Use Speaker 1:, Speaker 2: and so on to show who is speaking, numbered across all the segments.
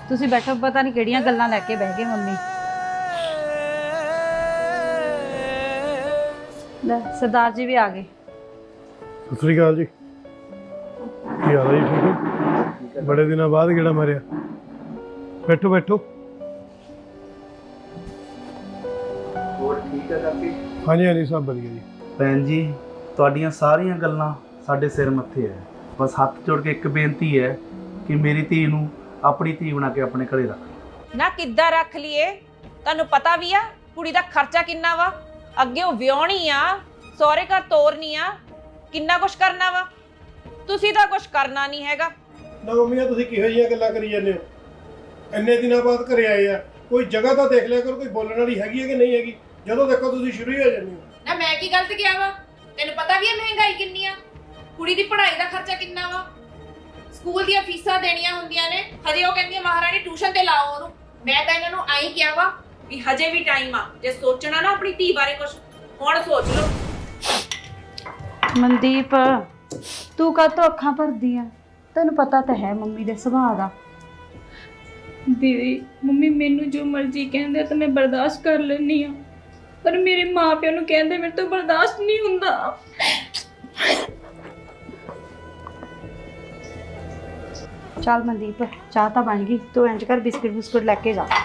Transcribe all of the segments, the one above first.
Speaker 1: ਤੁਸੀਂ ਬੈਠੋ, ਪਤਾ ਨਹੀਂ ਕਿਹੜੀਆਂ ਗੱਲਾਂ ਲੈ ਕੇ ਬਹਿ ਗਏ ਮੰਮੀ। ਲੈ ਸਰਦਾਰ ਜੀ ਵੀ ਆ ਗਏ।
Speaker 2: ਸਤਿ ਸ੍ਰੀ ਅਕਾਲ ਜੀ। ਕੀ ਹਾਲ ਹੈ ਜੀ? ਠੀਕ ਹੋ? ਬੜੇ ਦਿਨਾਂ ਬਾਅਦ ਗੇੜਾ ਮਾਰਿਆ। ਬੈਠੋ ਬੈਠੋ।
Speaker 3: ਹੋਰ ਠੀਕ ਹੈ ਕਾਕੀ?
Speaker 2: ਹਾਂਜੀ ਹਾਂਜੀ ਸਭ ਵਧੀਆ ਜੀ।
Speaker 3: ਭੈਣ ਜੀ ਤੁਹਾਡੀਆਂ ਸਾਰੀਆਂ ਗੱਲਾਂ ਸਾਡੇ ਸਿਰ ਮੱਥੇ ਹੈ। ਬਸ ਹੱਥ ਜੋੜ ਕੇ ਇੱਕ ਬੇਨਤੀ ਹੈ ਕਿ ਮੇਰੀ ਧੀ ਨੂੰ ਆਪਣੀ ਧੀ ਬਣਾ ਕੇ ਆਪਣੇ ਘਰੇ ਰੱਖ।
Speaker 4: ਨਾ ਕਿੱਦਾਂ ਰੱਖ ਲਈਏ? ਤੁਹਾਨੂੰ ਪਤਾ ਵੀ ਆ ਕੁੜੀ ਦਾ ਖਰਚਾ ਕਿੰਨਾ ਵਾ, ਅੱਗੇ ਉਹ ਵਿਆਹਣੀ ਆ, ਸਹੁਰੇ ਘਰ ਤੋਰਨੀ ਆ, ਕਿੰਨਾ ਕੁਛ ਕਰਨਾ ਵਾ। ਤੁਸੀਂ ਤਾਂ ਕੁਛ ਕਰਨਾ ਨਹੀਂ ਹੈਗਾ।
Speaker 2: ਨਾ ਮੰਮੀ ਤੁਸੀਂ ਕਿਹੋ ਜਿਹੀਆਂ ਗੱਲਾਂ ਕਰੀ ਜਾਂਦੇ ਹੋ? ਇੰਨੇ ਦਿਨਾਂ ਬਾਅਦ ਘਰੇ ਆਏ ਆ, ਕੋਈ ਜਗ੍ਹਾ ਤਾਂ ਦੇਖ ਲਿਆ ਕਰੋ, ਕੋਈ ਬੋਲਣ ਵਾਲੀ ਹੈਗੀ ਹੈ ਕਿ ਨਹੀਂ ਹੈਗੀ। ਜਦੋਂ ਦੇਖੋ ਤੁਸੀਂ ਸ਼ੁਰੂ ਹੀ ਹੋ ਜਾਂਦੇ ਹੋ।
Speaker 5: ਨਾ ਮੈਂ ਕੀ ਗਲਤ ਕਿਹਾ ਵਾ? ਤੈਨੂੰ ਪਤਾ ਵੀ ਹੈ ਮਹਿੰਗਾਈ ਕਿੰਨੀ ਆ, ਕੁੜੀ ਦੀ ਪੜ੍ਹਾਈ ਦਾ ਖਰਚਾ ਕਿੰਨਾ ਵਾ, ਸਕੂਲ ਦੀਆਂ ਫੀਸਾਂ ਦੇਣੀਆਂ ਹੁੰਦੀਆਂ ਨੇ। ਹਜੇ ਉਹ ਕਹਿੰਦੀ ਮਹਾਰਾਣੀ ਟਿਊਸ਼ਨ ਤੇ ਲਾਓ ਉਹਨੂੰ। ਮੈਂ ਤਾਂ ਇਹਨਾਂ ਨੂੰ ਆਈ ਕਿਹਾ ਵਾ
Speaker 4: ਵੀ ਹਜੇ ਵੀ ਟਾਈਮ ਆ, ਜੇ ਸੋਚਣਾ ਨਾ ਆਪਣੀ ਧੀ ਬਾਰੇ ਕੁਛ ਹੁਣ ਸੋਚ ਲਓ।
Speaker 1: ਮਨਦੀਪ ਤੂੰ ਕਾਹਤੋਂ ਅੱਖਾਂ ਭਰਦੀ ਆ? ਤੈਨੂੰ ਪਤਾ ਤਾਂ ਹੈ ਮੰਮੀ ਦੇ ਸੁਭਾਅ ਦਾ।
Speaker 6: ਦੀਦੀ ਮੰਮੀ ਮੈਨੂੰ ਜੋ ਮਰਜ਼ੀ ਕਹਿੰਦੇ ਤਾਂ ਮੈਂ ਬਰਦਾਸ਼ਤ ਕਰ ਲੈਂਦੀ ਆ, ਪਰ ਮੇਰੇ ਮਾਪਿਆਂ ਨੂੰ ਕਹਿੰਦੇ ਮੇਰੇ ਤੋਂ ਬਰਦਾਸ਼ਤ ਨਹੀਂ ਹੁੰਦਾ।
Speaker 1: ਚੱਲ ਮਨਦੀਪ ਚਾਹ ਤਾਂ ਬਣ ਗਈ, ਤੂੰ ਇੰਜ ਕਰ ਬਿਸਕਿਟ ਬੁਸਕੁਟ ਲੈ ਕੇ ਜਾ।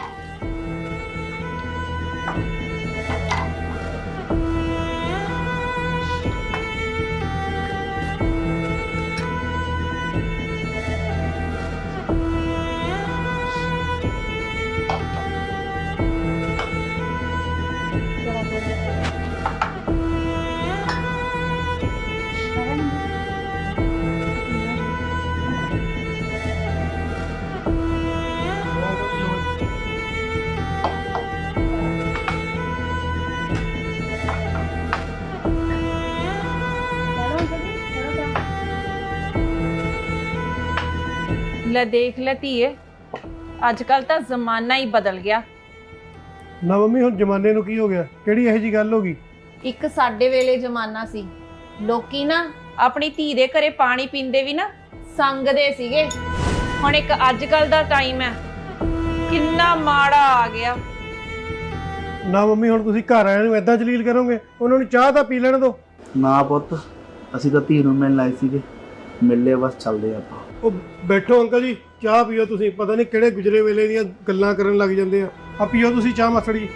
Speaker 4: ਲੈ ਦੇਖ ਲੈ ਧੀਏ, ਅੱਜ ਕੱਲ ਤਾਂ ਜ਼ਮਾਨਾ ਹੀ ਬਦਲ ਗਿਆ।
Speaker 2: ਨਾ ਮੰਮੀ ਹੁਣ ਜ਼ਮਾਨੇ ਨੂੰ ਕੀ ਹੋ ਗਿਆ? ਕਿਹੜੀ ਇਹੋ ਜਿਹੀ ਗੱਲ ਹੋ ਗਈ?
Speaker 4: ਇੱਕ ਸਾਡੇ ਵੇਲੇ ਜ਼ਮਾਨਾ ਸੀ, ਲੋਕੀ ਨਾ ਆਪਣੀ ਧੀ ਦੇ ਘਰੇ ਪਾਣੀ ਪੀਂਦੇ ਵੀ ਨਾ ਸੰਗਦੇ ਸੀਗੇ। ਹੁਣ ਇੱਕ ਅੱਜ ਕੱਲ ਦਾ ਟਾਈਮ ਹੈ, ਕਿੰਨਾ ਮਾੜਾ ਆ ਗਿਆ।
Speaker 2: ਨਾ ਮੰਮੀ ਹੁਣ ਤੁਸੀਂ ਘਰ ਆਇਆਂ ਨੂੰ ਏਦਾਂ ਜਲੀਲ ਕਰੋਗੇ? ਉਹਨਾਂ ਨੂੰ ਚਾਹ ਤਾਂ ਪੀ ਲੈਣ ਦਿਓ।
Speaker 3: ਨਾ ਪੁੱਤ, ਅਸੀਂ ਤਾਂ ਧੀ ਨੂੰ ਮਿਲਣ ਆਏ ਸੀਗੇ, ਮਿਲੇ ਬਸ ਚੱਲਦੇ ਆਪਾਂ।
Speaker 2: ਉਹ ਬੈਠੋ ਅੰਕਲ ਜੀ, ਚਾਹ ਪੀਓ। ਤੁਸੀਂ ਪਤਾ ਨਹੀਂ ਕਿਹੜੇ ਗੁਜਰੇ ਵੇਲੇ ਦੀਆਂ ਗੱਲਾਂ ਕਰਨ ਲੱਗ ਜਾਂਦੇ ਆ ਪੀਓ ਤੁਸੀਂ ਚਾਹ ਮਾਸੜ ਜੀ।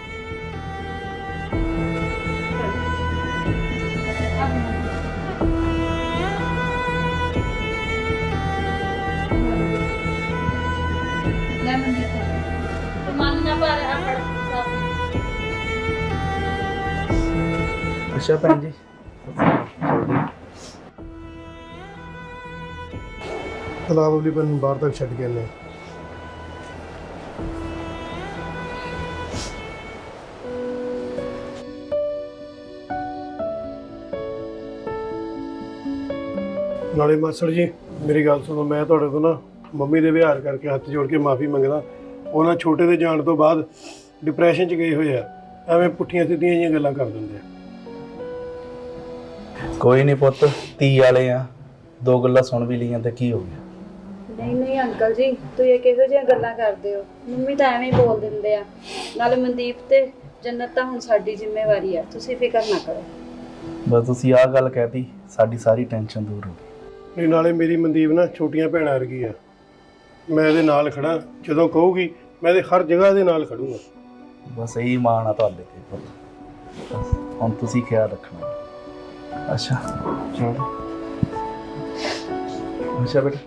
Speaker 1: ਲੈ ਮਨਦੀਪ ਮਨ ਨਾ ਪਰ ਆਪੜ
Speaker 3: ਅੱਛਾ ਭੈਣ ਜੀ,
Speaker 2: ਤਲਾਬ ਵਾਲੀ ਬਨ ਬਾਹਰ ਤੱਕ ਛੱਡ ਕੇ ਆਨੇ। ਨਾਲੇ ਮਾਸੜ ਜੀ ਮੇਰੀ ਗੱਲ ਸੁਣੋ, ਮੈਂ ਤੁਹਾਡੇ ਤੋਂ ਨਾ ਮੰਮੀ ਦੇ ਵਿਹਾਰ ਕਰਕੇ ਹੱਥ ਜੋੜ ਕੇ ਮਾਫੀ ਮੰਗਦਾ। ਉਹਨਾਂ ਛੋਟੇ ਦੇ ਜਾਣ ਤੋਂ ਬਾਅਦ ਡਿਪਰੈਸ਼ਨ 'ਚ ਗਏ ਹੋਏ ਆ, ਐਵੇਂ ਪੁੱਠੀਆਂ ਸਿੱਧੀਆਂ ਜਿਹੀਆਂ ਗੱਲਾਂ ਕਰ ਦਿੰਦੇ ਆ।
Speaker 3: ਕੋਈ ਨਹੀਂ ਪੁੱਤ, ਧੀ ਵਾਲੇ ਆ, ਦੋ ਗੱਲਾਂ ਸੁਣ ਵੀ ਲਈਆਂ ਤੇ ਕੀ ਹੋ ਗਿਆ।
Speaker 1: ਨਹੀਂ ਨਹੀਂ ਅੰਕਲ ਜੀ, ਤੁਸੀਂ ਇਹ ਕਿਹੋ ਜਿਹੀਆਂ ਗੱਲਾਂ ਕਰਦੇ ਹੋ? ਮੰਮੀ ਤਾਂ ਐਵੇਂ ਹੀ ਬੋਲ ਦਿੰਦੇ ਆ। ਨਾਲੇ ਮਨਦੀਪ ਤੇ ਜੰਨਤ ਤਾਂ ਹੁਣ ਸਾਡੀ ਜ਼ਿੰਮੇਵਾਰੀ ਆ, ਤੁਸੀਂ ਫਿਕਰ ਨਾ ਕਰੋ।
Speaker 3: ਬਸ ਤੁਸੀਂ ਆਹ ਗੱਲ ਕਹਿਤੀ, ਸਾਡੀ ਸਾਰੀ ਟੈਨਸ਼ਨ ਦੂਰ ਹੋ ਗਈ।
Speaker 2: ਨਹੀਂ ਨਾਲੇ ਮੇਰੀ ਮਨਦੀਪ ਨਾ ਛੋਟੀਆਂ ਭੈਣਾਂ ਵਰਗੀ ਆ, ਮੈਂ ਇਹਦੇ ਨਾਲ ਖੜਾ। ਜਦੋਂ ਕਹੂਗੀ ਮੈਂ ਇਹਦੇ ਹਰ ਜਗ੍ਹਾ ਦੇ ਨਾਲ ਖੜੂੰਗਾ।
Speaker 3: ਬਸ ਇਹੀ ਮਾਣ ਆ ਤੁਹਾਡੇ ਤੇ ਪੁੱਤ, ਬਸ ਹੁਣ ਤੁਸੀਂ ਖਿਆਲ ਰੱਖਣਾ। ਅੱਛਾ ਚਲੋ, ਅੱਛਾ ਬੇਟਾ।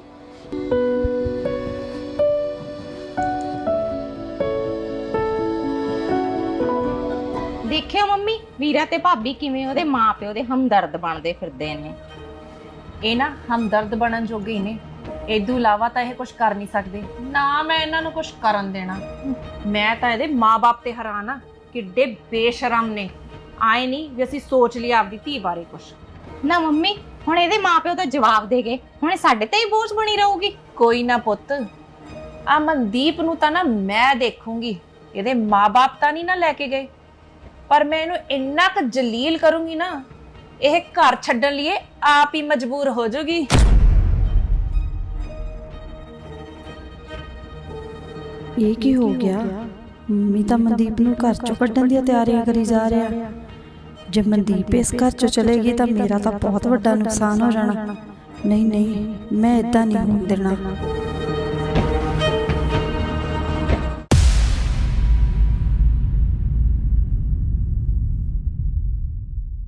Speaker 4: ਦੇਖਿਓ ਮੰਮੀ, ਵੀਰਾ ਤੇ ਭਾਬੀ ਕਿਵੇਂ ਉਹਦੇ ਮਾਪਿਓ ਦੇ ਹਮਦਰਦ ਬਣਦੇ ਫਿਰਦੇ ਨੇ। ਇਹ ਨਾ ਹਮਦਰਦ ਬਣਨ ਜੋਗੇ ਹੀ ਨੇ, ਇਦੋਂ ਇਲਾਵਾ ਤਾਂ ਇਹ ਕੁਝ ਕਰ ਨਹੀਂ ਸਕਦੇ। ਨਾ ਮੈਂ ਇਹਨਾਂ ਨੂੰ ਕੁਝ ਕਰਨ ਦੇਣਾ। ਮੈਂ ਤਾਂ ਇਹਦੇ ਮਾਪੇ ਤੇ ਹੈਰਾਨ ਆ, ਕਿੱਡੇ ਬੇਸ਼ਰਮ ਨੇ। ਆਏ ਨਹੀਂ ਵੀ ਅਸੀਂ ਸੋਚ ਲਿਆ ਆਪਦੀ ਧੀ ਬਾਰੇ ਕੁਝ।
Speaker 7: ਨਾ ਮੰਮੀ ਹੁਣ ਇਹਦੇ ਮਾਪਿਓ ਤਾਂ ਜਵਾਬ ਦੇ ਗਏ, ਹੁਣ ਇਹ ਸਾਡੇ ਤੇ ਹੀ ਬੋਝ ਬਣੀ ਰਹੂਗੀ।
Speaker 4: ਕੋਈ ਨਾ ਪੁੱਤ, ਆ ਮਨਦੀਪ ਨੂੰ ਤਾਂ ਨਾ ਮੈਂ ਦੇਖੂੰਗੀ, ਇਹਦੇ ਮਾਪੇ ਤਾਂ ਨਹੀਂ ਨਾ ਲੈ ਕੇ ਗਏ, ਪਰ ਮੈਂ ਇਹਨੂੰ ਇੰਨਾ ਕੁ ਜਲੀਲ ਕਰੂੰਗੀ ਨਾ, ਇਹ ਘਰ ਛੱਡਣ ਲਈ ਆਪ ਹੀ ਮਜਬੂਰ ਹੋ ਜਾਊਗੀ।
Speaker 1: ਇਹ ਕੀ ਹੋ ਗਿਆ? ਮੰਮੀ ਤਾਂ ਮਨਦੀਪ ਨੂੰ ਘਰ ਚੋਂ ਕੱਢਣ ਦੀਆਂ ਤਿਆਰੀਆਂ ਕਰੀ ਜਾ ਰਿਹਾ। ਜੇ ਮਨਦੀਪ ਇਸ ਘਰ ਚੋਂ ਚਲੇਗੀ ਤਾਂ ਮੇਰਾ ਤਾਂ ਬਹੁਤ ਵੱਡਾ ਨੁਕਸਾਨ ਹੋ ਜਾਣਾ। ਨਹੀਂ ਨਹੀਂ, ਮੈਂ ਇਦਾਂ ਨਹੀਂ ਹੋਣ ਦੇਣਾ।